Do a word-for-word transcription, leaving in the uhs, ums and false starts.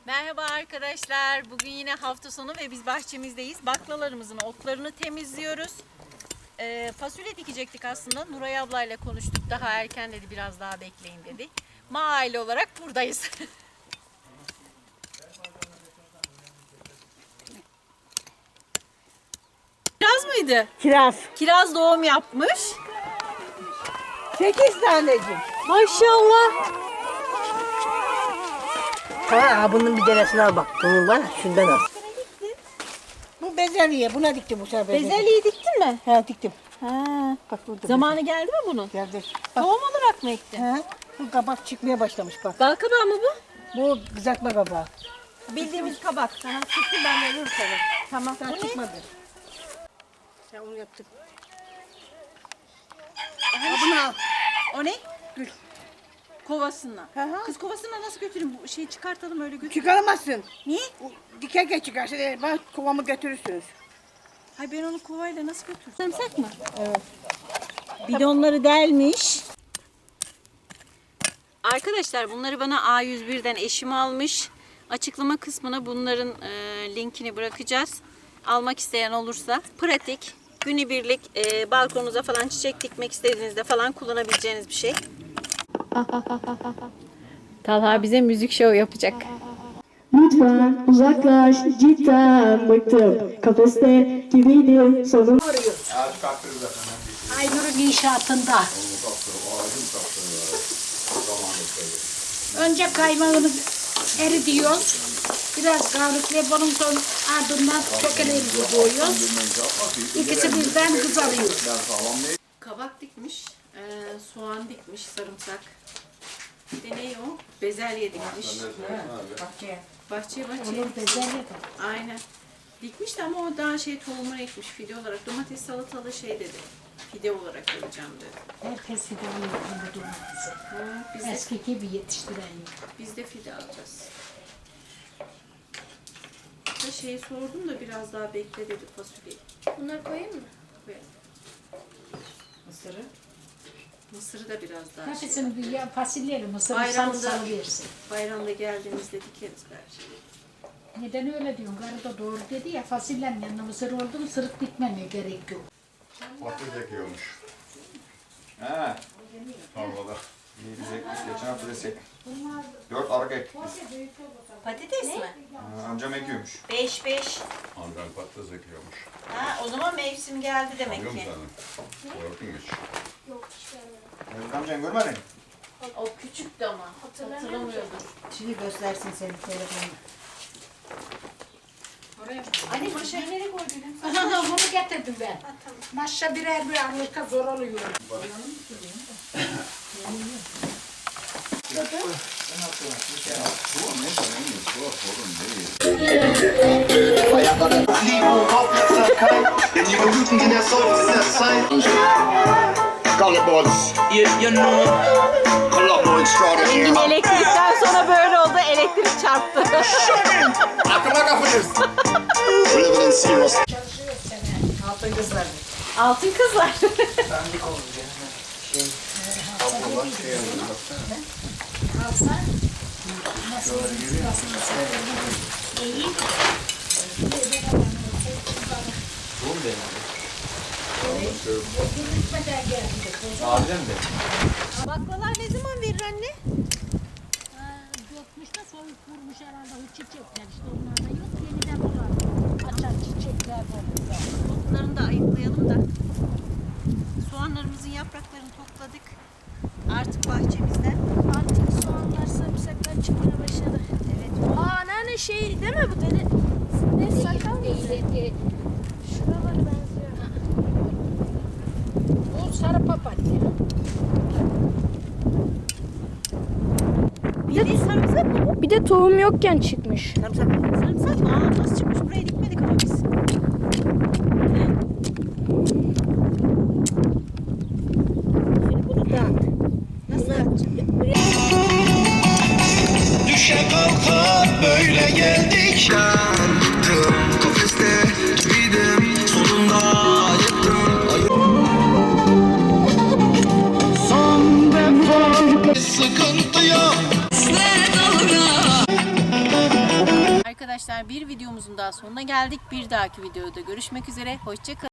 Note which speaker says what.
Speaker 1: Merhaba arkadaşlar. Bugün yine hafta sonu ve biz bahçemizdeyiz. Baklalarımızın otlarını temizliyoruz. Ee, fasulye dikecektik aslında. Nuray ablayla konuştuk. Daha erken dedi, biraz daha bekleyin dedi. Ma aile olarak buradayız. Kiraz mıydı?
Speaker 2: Kiraz.
Speaker 1: Kiraz doğum yapmış.
Speaker 2: Sekiz tanecik.
Speaker 1: Maşallah.
Speaker 2: Ha, bunun bir tanesini al bak. Bunun var, şundan al. Bu bezelye, buna diktim bu sefer.
Speaker 1: Bezelyeyi diktin mi?
Speaker 2: Ha, diktim.
Speaker 1: Ha.
Speaker 2: Bak burada.
Speaker 1: Zamanı geldi mi bunun?
Speaker 2: Geldi.
Speaker 1: Tohum olarak mı ektin?
Speaker 2: Ha, bu kabak çıkmaya başlamış bak.
Speaker 1: Bal kabağı mı bu?
Speaker 2: Bu kızartma kabağı.
Speaker 1: Bildiğimiz kabak.
Speaker 2: Sana çıktı, ben de ölür sana.
Speaker 1: Tamam.
Speaker 2: Daha
Speaker 1: Bu ne?
Speaker 2: çıkmadı. Ya onu yaptık. Ha, bunu al.
Speaker 1: O ne?
Speaker 2: Gül.
Speaker 1: Kovasına.
Speaker 2: Hı hı.
Speaker 1: Kız kovasına nasıl götüreyim? Bu şeyi çıkartalım öyle götür.
Speaker 2: Çıkaramazsın.
Speaker 1: Niye?
Speaker 2: O dikerken çıkarsa e, bak kovamı götürürsünüz.
Speaker 1: Hayır, ben onu kovayla nasıl götürürüm? Sarımsak mı?
Speaker 2: Evet.
Speaker 1: Bidonları delmiş. Arkadaşlar bunları bana A yüz bir'den eşim almış. Açıklama kısmına bunların e, linkini bırakacağız. Almak isteyen olursa pratik, günübirlik e, balkonunuza falan çiçek dikmek istediğinizde falan kullanabileceğiniz bir şey. Talha bize müzik show yapacak.
Speaker 3: Lütfen uzaklaş, cidden bıktım. Kafeste gibiydim sonum.
Speaker 4: Aynur'un inşaatında. Önce kaymağını eridiyoruz. Biraz kavruklayıp onun son ardından çökelerimizi koyuyoruz. İkisi birden kızarıyor.
Speaker 1: Kabak dikmiş, e, soğan dikmiş, sarımsak. Bir de ne o? Bezelye dikmiş.
Speaker 4: Bahçeye.
Speaker 1: Bahçeye bahçeye.
Speaker 4: Olur bezelye de.
Speaker 1: Aynen. Dikmiş de ama o daha şey tohumunu ekmiş fide olarak. Domates salatalı şey dedi. Fide olarak alacağım dedi.
Speaker 4: Herkes fidanın yakında durması.
Speaker 1: Ha, biz, de,
Speaker 4: Eski gibi yetiştiren yok.
Speaker 1: biz de fide alacağız. Da şeyi sordum da biraz daha bekle dedi fasulyeyi.
Speaker 5: Bunları koyayım mı?
Speaker 1: Koyalım.
Speaker 2: Mısırı.
Speaker 1: Mısırı da biraz daha şey.
Speaker 4: Hepsini bir ya- fasulyeyle mısırı
Speaker 1: Bayramda-
Speaker 4: salı salı versin.
Speaker 1: Bayramda geldiğimizde dikeriz belki.
Speaker 4: Neden öyle diyorsun? Karı da doğru dedi ya, fasulyenin yanına mısır oldu mu sırık dikmemeye gerek yok.
Speaker 6: Patates ekiyormuş. He. Tarlada. Biz ekmiş, geçen hafta desek. Dört arka ektik biz.
Speaker 1: Patates mi?
Speaker 6: Ha, amcam ekiyormuş.
Speaker 1: Beş beş.
Speaker 6: Amcam patates ekiyormuş.
Speaker 1: Ha, o zaman mevsim geldi demek
Speaker 6: Biliyor
Speaker 1: ki.
Speaker 6: musun sen? Gördün mü hiç?
Speaker 5: Yok hiç görmedim.
Speaker 6: Mevlüt amcan görmedin mi?
Speaker 1: O küçüktü ama. Hatırlamıyordur.
Speaker 2: Şimdi göstersin senin telefonunu.
Speaker 1: Anne maşayı nereye koydun?
Speaker 4: Bunu getirdim ben. Maşa birer bir arlıkta zor oluyor.
Speaker 1: Engin elektrikten sonra böyle oldu. Elektrik çarptı.
Speaker 6: Aklıma kapınız.
Speaker 2: Altın kızlar.
Speaker 1: Altın kızlar.
Speaker 2: Dandik olmuş yani. Şey.
Speaker 1: Baklalar ne zaman verir anne?
Speaker 4: Dökmüş de soyup vurmuş herhalde o çiçekler işte onlarda yok yeniden bular. Açar çiçekler var.
Speaker 1: Otlarını da ayıklayalım da. Soğanlarımızın yapraklarını topladık. Artık bahçemizde.
Speaker 5: Artık soğanlar, sarımsaklar çıkmaya başladı.
Speaker 1: Evet.
Speaker 5: Aa anneanne şey değil mi bu deli? Ne sakal mı? Şuralara benziyor.
Speaker 4: Bu sarı papatya.
Speaker 1: Bildiğin sarımsak mı bu?
Speaker 5: Bir de tohum yokken çıkmış.
Speaker 2: Sarımsak.
Speaker 1: Sarımsak mı? Aa, nasıl çıkmış? Buraya dikmedik ama biz.
Speaker 2: Şimdi bunu dağıt.
Speaker 1: Nasıl yapacağım?
Speaker 7: Düşe kalka böyle geldik. Kafeste gibiydim, sonunda yıktım. Son defa sıkıntıya.
Speaker 1: arkadaşlar bir videomuzun daha sonuna geldik. Bir dahaki videoda görüşmek üzere. Hoşça kalın.